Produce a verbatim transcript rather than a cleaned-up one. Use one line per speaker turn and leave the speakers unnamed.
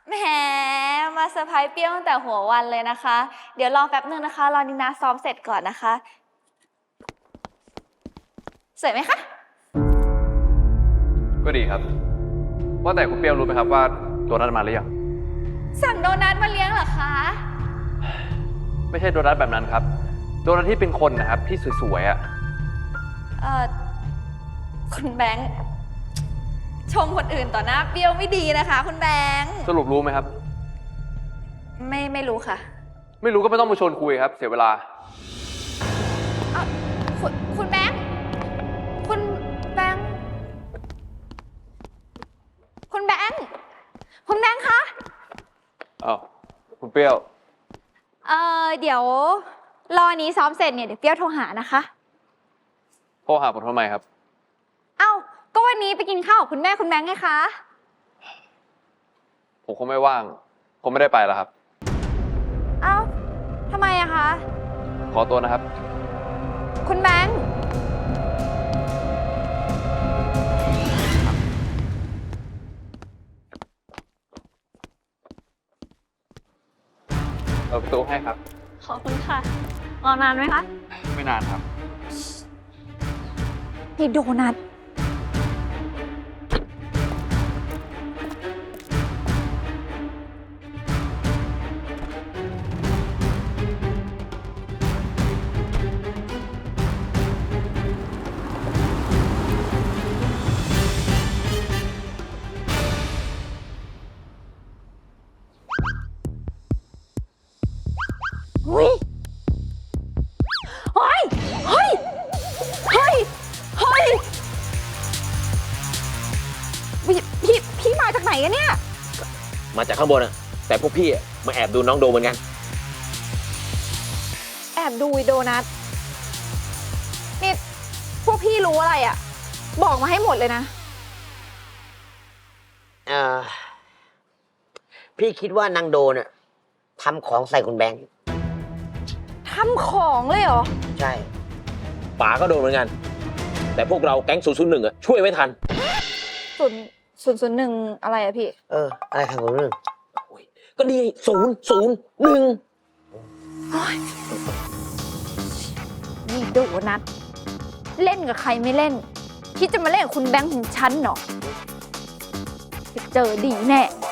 แหมมาเซอร์ไพรส์เปรี้ยวตั้งแต่หัววันเลยนะคะ เดี๋ยวรอแป๊บนึงนะคะรอนินาซ้อมเสร็จก่อนนะคะสวยไหมคะ
ก็ดีครับว่าแต่คุณเปรี้ยวรู้ไหมครับว่าโดนัทมาหรือยัง
สั่งโดนัทมาเลี้ยงเหรอคะ
ไม่ใช่โดนัทแบบนั้นครับโดนัทที่เป็นคนนะครับที่สวยๆอ่ะ
เอ่อคุณแบงค์ชมคนอื่นต่อหน้าเปรี้ยวไม่ดีนะคะคุณแบงค์
สรุปรู้ไหมครับ
ไม่ไม่รู้ค่ะ
ไม่รู้ก็ไม่ต้องมาชวนคุยครับเสียเวลา
เอ่อคุณคุณแบงค์คุณแบงค์คุณแบงค์คุณแบงค์คะ
อ้าวคุณเปรี้ยว
เอ่อเดี๋ยวรอนี้ซ้อมเสร็จเนี่ยเดี๋ยวเปรี้ยวโทรหานะคะ
โทรหาผมทำไมครับ
เอ้าก็วันนี้ไปกินข้าวกับคุณแม่คุณแบงค์ไงคะ
ผมคงไม่ว่างผมไม่ได้ไปแล้วครับ
เอ้าทำไมอะคะ
ขอตัวนะครับ
คุณแบงค์
เปิดประตูให้ครับ
ขอบคุณค่ะรอนานไหมคะ
ไม่นานครับ
นี่โดนัทเฮ้ยเฮ้ยเฮ้ยเฮ้ยเฮ้ยพี่พี่พี่มาจากไหนกันเนี่ย
มาจากข้างบนอะแต่พวกพี่มาแอบดูน้องโดเหมือนกัน
แอบดูโดนัทนี่พวกพี่รู้อะไรอ่ะบอกมาให้หมดเลยนะ
เออพี่คิดว่านางโดน่ะทำของใส่คุณแบงค์
ทำของเลยเหรอ
ใช่ป๋าก็โดนเหมือนกันแต่พวกเราแก๊งศูนย์ศูนย์หนึ่งอะช่วยไว้ทัน
ศูนย์ศูนย์ศูนย์หนึ่งอะไรอะพี่
เอออะไรทางศูนย์หนึ่งก็ดีศูนย์ศูนย์หนึ่ง
นี่โดนัทเล่นกับใครไม่เล่นคิดจะมาเล่นกับคุณแบงค์ของฉันเหรอจะเจอดีแน่